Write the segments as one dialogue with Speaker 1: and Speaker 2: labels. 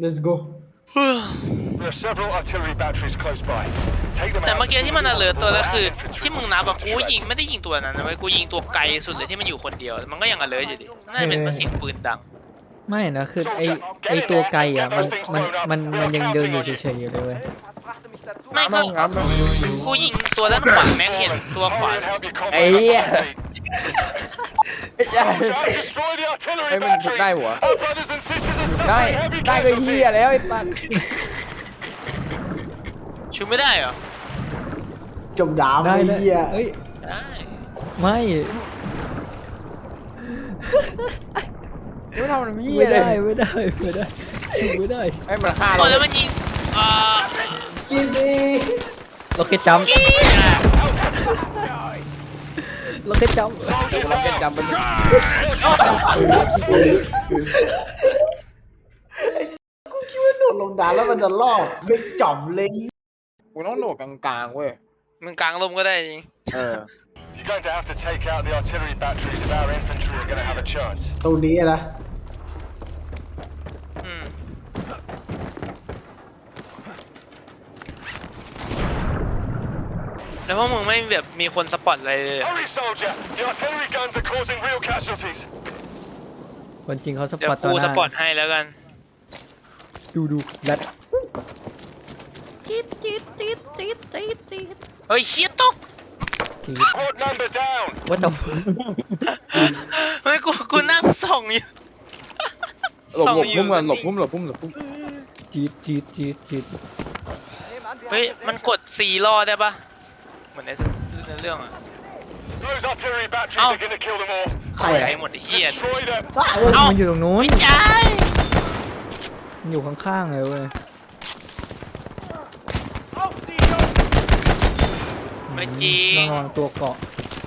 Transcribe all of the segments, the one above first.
Speaker 1: let's go
Speaker 2: แต่เมื่อกี้ที่มันalertตัวแล้วคือที่มึงนับอะกูยิงไม่ได้ยิงตัวนั้นนะเว้ยกูยิงตัวไกลสุดเลยที่มันอยู่คนเดียวมันก็ยังalertอยู่ดิน่าจะเป็นเพราะเสียงปืนดัง
Speaker 3: ไม่นะคือไอตัวไกลอ่ะมันยังเดินอยู่เฉยๆอยู่เลยเว้ย
Speaker 2: ไม่ก็กูยิงตัวด้านขวาแม็กเห็นตัวขวา
Speaker 4: ไอ้เหี้ยไอ้มันได้หัวได้ก็เหี้ยแล้วไอ้ปัน
Speaker 2: ชูไม่ได้เหรอ
Speaker 1: จมดาวไอ้เหี้ย
Speaker 3: เอ้ย
Speaker 2: ได้
Speaker 3: ไม่
Speaker 4: ไม่ทำมันเหี้ย
Speaker 3: ไม่
Speaker 4: เลย
Speaker 3: ได้ชูไม่ได้
Speaker 4: ไอ้มันฆ่าเรา
Speaker 2: แล้วมันยิง
Speaker 1: กินดี
Speaker 3: เราแค่จำเราแค่จำ
Speaker 4: มัน
Speaker 1: กูคิดว่าโดดลงดาวแล้วมันจะรอดไม่จ่อมเลย
Speaker 4: กูต้องโดดกลางๆเว้ย
Speaker 2: มึงกลางลมก็ได้จริง
Speaker 1: ตรงนี้นะ
Speaker 2: แล้วพวกมึงไม่แบบมีคนสปอตอะไรเลย
Speaker 3: คนจริงเขาสป
Speaker 2: เดี๋ย
Speaker 3: อ
Speaker 2: ว
Speaker 3: ตตอน
Speaker 2: กู
Speaker 3: ห
Speaker 2: ส
Speaker 3: น้า
Speaker 2: ปอตให้แล้วกัน
Speaker 3: ดูแบท
Speaker 2: เฮ้ยเชี่ยตก
Speaker 3: ว่าต้อง
Speaker 2: ไม่กูนั่งส่องอยู่
Speaker 4: หลบพุ่มกันหลบพุ่ม
Speaker 3: จีด
Speaker 2: เฮ้ยมันกด4 รอได้ปะเหมือนในเรื่องอะเอ้า
Speaker 1: ใคร
Speaker 2: ใจหมดไอ้เชี่ย
Speaker 3: มันอยู่ตรงนู้น
Speaker 2: ไม่ใช่
Speaker 3: มันอยู่ข้างๆเลยเว้ย
Speaker 2: ไม่จริง
Speaker 3: ระวังตัวเกาะ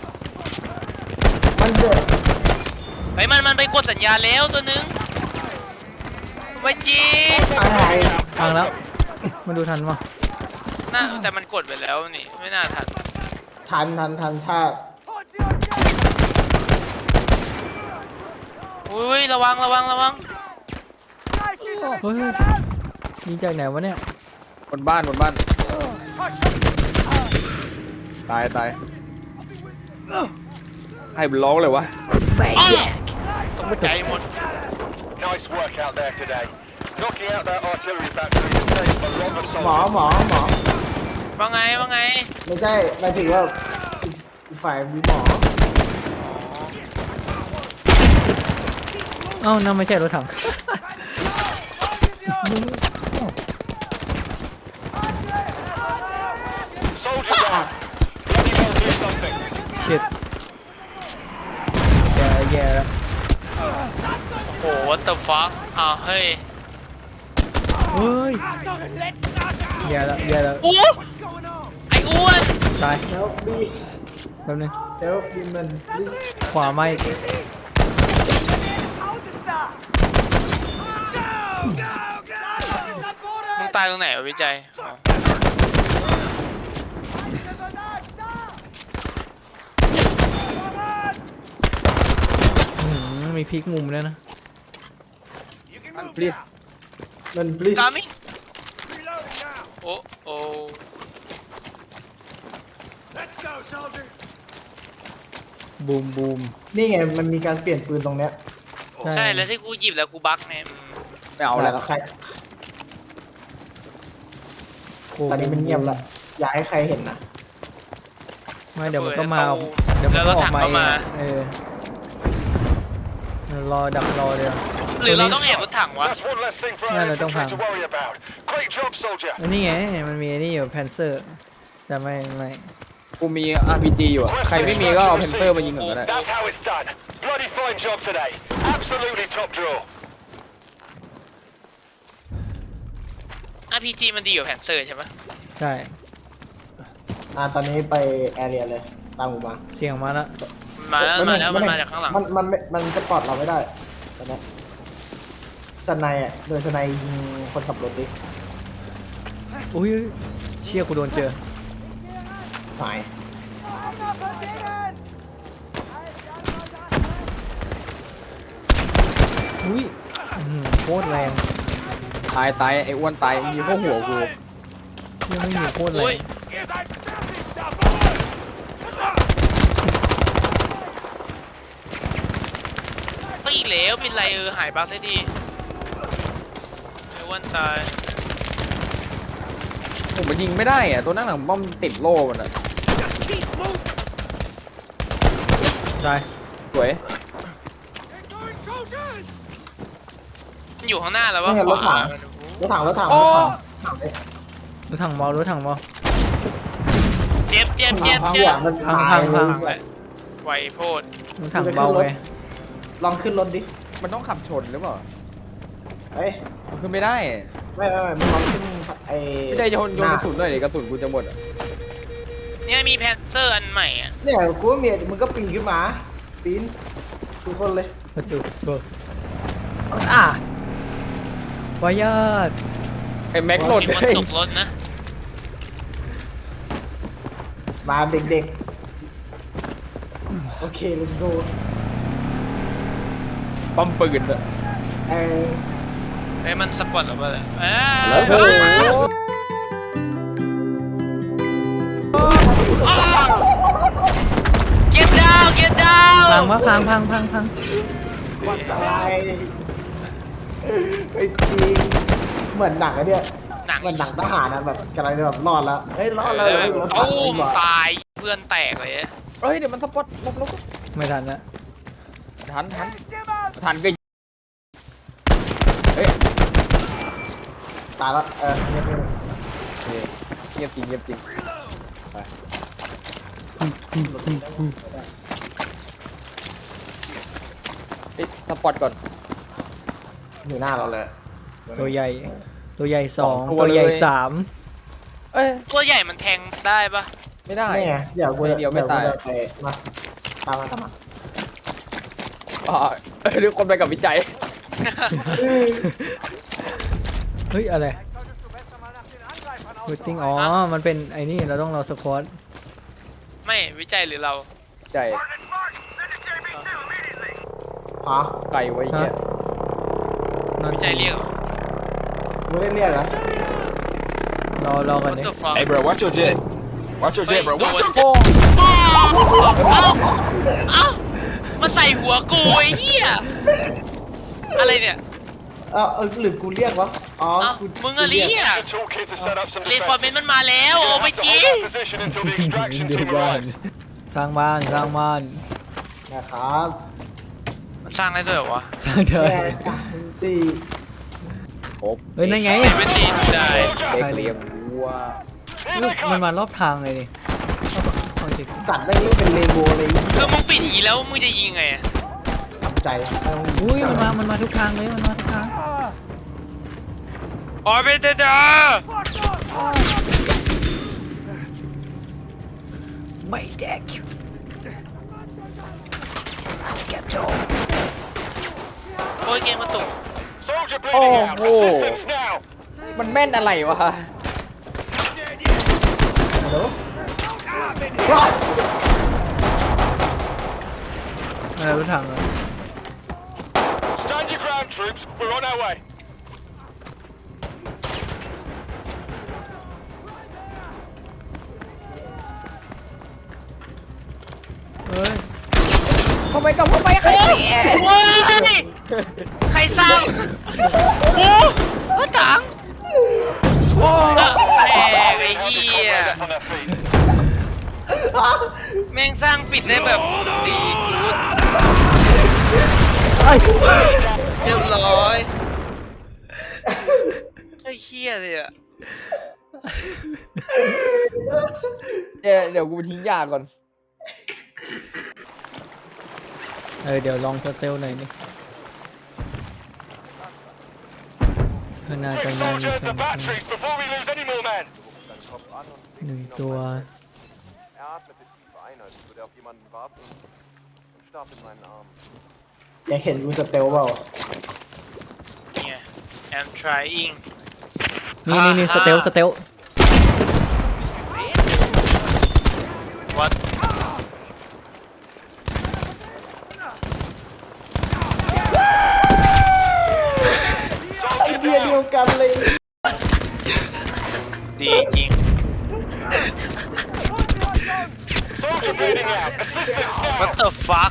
Speaker 1: มันเดือด
Speaker 2: เฮ้ยมันไปกดสัญญาแล้วตัวนึงไม่จริง
Speaker 3: พังแล้วมันดูทันวะ
Speaker 2: น่าแต่มันกดไปแล้วนี่ไม่น่าทัน
Speaker 1: ถ้า
Speaker 2: อุ้ยระวัง
Speaker 3: เฮ้ยยิงจากไหนวะเนี่ย
Speaker 4: บนบ้านตายให้มันร้องเลยวะ
Speaker 2: ต้องใจหมด
Speaker 1: หมอ
Speaker 2: ว่าไง
Speaker 1: ไม่ใช่หมายถึงว่าฝ่ายมีหมอ
Speaker 3: เอ้านั่นไม่ใช่รถถังเช็ดแย่แล้ว
Speaker 2: โอ้ what the fuck เฮ้ย
Speaker 3: แย่แล้ว
Speaker 2: อู้ไอ้อ้วน
Speaker 3: ตาย
Speaker 1: แล้วบี
Speaker 3: แป๊บนึง
Speaker 1: แล้วบีมัน
Speaker 3: ขวาไม่
Speaker 2: มึงตายตรงไหนวะวิจัย
Speaker 3: มีพลิกมุมแล้วนะ
Speaker 1: มันบลิส
Speaker 2: กามิโอ้
Speaker 3: บูม
Speaker 1: นี่ไงมันมีการเปลี่ยนปืนตรงเนี้ย
Speaker 2: ใช่แล้วที่กูหยิบแล้วกูบั๊กไง
Speaker 4: ไม่เอาแล้ว
Speaker 1: ใครตอนนี้มันเงียบละอย่าให้ใครเห็นนะ
Speaker 3: ไม่เดี๋ยวมันก็มาเดี๋ยวมันก็ออกมารอดักรอเลย
Speaker 2: หรือเราต้องแอบรถถังวะ
Speaker 3: น่าเราต้องพังอันนี้ไงมันมีนี่อยู่แพนเซอร์แต่ไม่
Speaker 4: กูมี RPG อยู่อ่ะใครไม่มีก็เอาเพนเซอร์มายิงเหมือนกันได้
Speaker 2: RPG มันดีกว่าแพนเซอร์ใช่ไหม
Speaker 3: ใช่
Speaker 1: ตอนนี้ไปแอเรียเลยตามกูมา
Speaker 3: เสียงมาแล้ว
Speaker 2: มันมาจากข้างหลัง
Speaker 1: มันสปอร์ตเราไม่ได้ตอนนี้สไนอ่ะโดยสไนยิงคนขับรถดิ
Speaker 3: อุ้ยเชี่ยกูโดนเจอ
Speaker 1: ตาย
Speaker 3: อุ้ยโคตรแรง
Speaker 4: ตายไอ้อ้วนตายมีเข้าหัวกู
Speaker 3: ยังไม่มีโคตรเล
Speaker 2: โอ้
Speaker 3: ย
Speaker 2: ยก็อีกแล้วเป็นไรหายบั๊กได้ดีไอ้อ้วันตาย
Speaker 4: ผมมันยิงไม่ได้อะตัวนั่งหลังป้อมติดโล่มันอะ
Speaker 3: ตาย
Speaker 4: สวย
Speaker 2: มันอยู่ข้างหน้าแล้ววะ
Speaker 1: นี่ไงรถถัง รถถังรถถังรถถัง
Speaker 3: รถถังเมารถถังเมา
Speaker 2: เจ็บเจ็บเจ็บ
Speaker 1: พัง
Speaker 2: เจ็
Speaker 1: หัว
Speaker 2: บ
Speaker 1: มัน
Speaker 3: พัง
Speaker 1: ตาย
Speaker 3: พัง
Speaker 1: เลย
Speaker 2: ไหวโพด
Speaker 3: รถถังเบาไง
Speaker 1: ลองขึ้นรถดิ
Speaker 4: มันต้องขับชนหรือเปล่า
Speaker 1: เอ้ย
Speaker 4: มันขึ้นไม่ได้
Speaker 1: ไม่มึงลองขึ้นไอ้
Speaker 4: ไม่ได้จะโดนกระสุนด้วยดิกระสุนกูจะหมดอะ
Speaker 2: เนี่ยมีแพนเซอร์อันใหม่อ่ะ
Speaker 1: เนี่ยกูว่าเมียมึงก็ปีนขึ้นมา ปีนทุกคนเลย
Speaker 3: ประตูเบิกวายาด
Speaker 4: ไอ้แม็กหล่น
Speaker 2: มี
Speaker 4: เล
Speaker 2: คน
Speaker 4: ย
Speaker 2: ตกรถนะ
Speaker 1: มาเด็กๆ โอเค let's go
Speaker 4: ป้อมปืนอะ
Speaker 1: เออ
Speaker 2: ไอ้ยมันสปอร์ตหรือเปล่าเนี่ยอ้า
Speaker 4: แล้วโอ้โห
Speaker 2: เก็ตดาวเก็ตดาว
Speaker 3: พังวะพังพังพังพัง
Speaker 1: วันตายไอ้จริงเหมือนหนังอะเนี่ย
Speaker 2: หนัง
Speaker 1: เหมือนหนังทหารนะแบบกำลังจะแบบรอดแล้วเฮ้ยรอดแล้วเฮ้ยรถถัง
Speaker 2: ตู้ม
Speaker 1: ดีกว่า
Speaker 2: ตายเพื่อนแตกเลย
Speaker 4: เฮ้ยเดี๋ยวมันสปอตลบ
Speaker 3: ไม่ทันละ
Speaker 4: ทันก็เฮ้ย
Speaker 1: ตายแล้วเนี่ย
Speaker 4: เงียบจริงไปสปอตก่อน
Speaker 1: อยู่หน้าเราเลย
Speaker 3: ตัวใหญ่ ตัวใหญ่สอง
Speaker 4: สองตัว
Speaker 3: ตัวใหญ่
Speaker 4: เลย
Speaker 3: สาม
Speaker 4: เอ้ย
Speaker 2: ตัวใหญ่มันแทงได้ปะ
Speaker 4: ไม่ได้
Speaker 1: นี่ไงเดี๋ยวกู
Speaker 4: เดี๋ยวไม่ตาย
Speaker 1: กูจะไปมาตามมา
Speaker 4: อ๋อทุกคนไปกับวิจัย
Speaker 3: เฮ้ยอะไรเวทติ้งอ๋อ มันเป็นไอ้นี่เราต้องรอสควอต
Speaker 2: ไม่วิจัยหรือเรา
Speaker 4: วิจัย
Speaker 1: ฮะ
Speaker 4: ไก่ไว้เหี้ย
Speaker 2: วิจัยเรียกเหรอ
Speaker 1: ไม่ได้เรียกนะ
Speaker 3: รอกัน
Speaker 2: What
Speaker 3: ดิ
Speaker 2: the fuck
Speaker 5: Hey, bro, watch your jet. Watch your jet, bro.
Speaker 2: โด
Speaker 5: Watch
Speaker 2: น
Speaker 5: your
Speaker 4: โอ้
Speaker 2: เอ้ามาใส่หัวกูไอ้เหี้ยอะไรเนี่ย
Speaker 1: หรือกูเรียกวะอ๋อ
Speaker 2: เอ้า
Speaker 1: กู
Speaker 2: มึงอะเรียกเรนฟอร์เมนต์มันมาแล้วโอ้ไปจี
Speaker 3: เดี๋ยวบ้านสร้างบ้านสร้างบ้าน
Speaker 1: นะครับ
Speaker 2: มันสร้างได้ด้วยเหรอวะ
Speaker 3: สร้างเดิน
Speaker 1: แค่สามสี่
Speaker 4: ครบ
Speaker 3: เฮ้ยนั่นไง
Speaker 2: เวนตีได้
Speaker 4: เด็กเลี้ยงวัว
Speaker 3: มันมารอบทางเลยดิเอาเช็คสิ
Speaker 1: สัตว์แม่งเล่นเป็นเลโก้เลย
Speaker 2: คือมึงปิดอย่างนี้แล้วมึงจะยิงไงอะ
Speaker 1: ทำใจ
Speaker 3: อุ้ยมันมาทุกทางเลยมันมาทุกทาง
Speaker 2: ออร์เบเตอร์
Speaker 3: ไม่แดกแกโจ
Speaker 2: โอ้ยเกมมาตุก
Speaker 4: โอ้โหมันแม่นอะไรวะ
Speaker 3: อะไรรถถังอ่ะ
Speaker 5: Stand your ground, troops. We're on our way.
Speaker 3: เฮ้ย
Speaker 4: ทำไมกับทำไมใครเสีย
Speaker 2: โอ้ยใครสร้างโอ้รถถัง
Speaker 4: โอ้
Speaker 2: แม่งไอ้เหี้ย
Speaker 5: On their feet.
Speaker 2: แม่งสร้างปิดได้แบบดีกูด
Speaker 3: ไอ้
Speaker 2: เรียบร้อยไอ้เหี้ยเลยอะ
Speaker 4: เดี๋ยวกูทิ้งยาก่อน
Speaker 3: เดี๋ยวลองสเตลหน่อยนี่ขนาด
Speaker 5: Quick
Speaker 3: กันยังมี
Speaker 5: soldiers,
Speaker 3: สอ
Speaker 5: the
Speaker 3: ง
Speaker 5: batteries before we lose any more men.
Speaker 3: หนึ่งตัว
Speaker 6: Er atmete tief ein, als würde er auf jemanden warten und starb in meinen Armen.
Speaker 1: อยากเห็นกูสเตลเปล่า
Speaker 2: เนี่ย I'm trying
Speaker 3: นี่สเตลสเตล
Speaker 2: what
Speaker 1: ไอเดียเดียวกันเลย
Speaker 2: ดีจริง
Speaker 5: Soldier bleeding out. Assistance
Speaker 2: What
Speaker 5: now.
Speaker 2: the fuck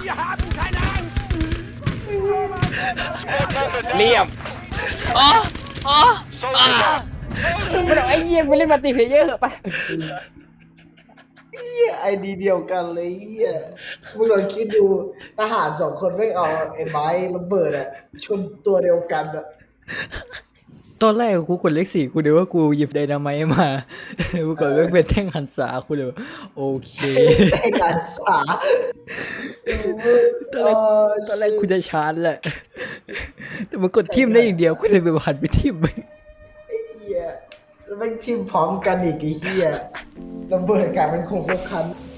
Speaker 4: เลี่ยม
Speaker 2: อ๋ออ๋อ
Speaker 5: Soldier down.
Speaker 4: มันเอาไอ้เยี่ยมไปเล่นมัลติเพลเยอร์ไป
Speaker 1: เหี้ยไอดีเดียวกันเลยเหี้ยมึงลองคิดดูทหาร2 คนไม่เอาไอ้ไม้ระเบิดอะชนตัวเดียวกันอะ
Speaker 3: ตอนแรกกูกดเลข 4กูเดี๋ยวว่ากูหยิบไดนาไมต์มากูกดเรื่องเป็นแท่งหันษากูเลยว่าโอเค
Speaker 1: ไอ้การสา
Speaker 3: ตอนแรกกูจะชาร์จแหละ แต่มันกดทิมได้อย่างเดียวกูเลยไปหันไปทิมไป
Speaker 1: ไอ้เหี้ยแล้วแม่งทิมพร้อมกันอีกไอ้เหี้ยระเบิดกลายเป็นโคงคัน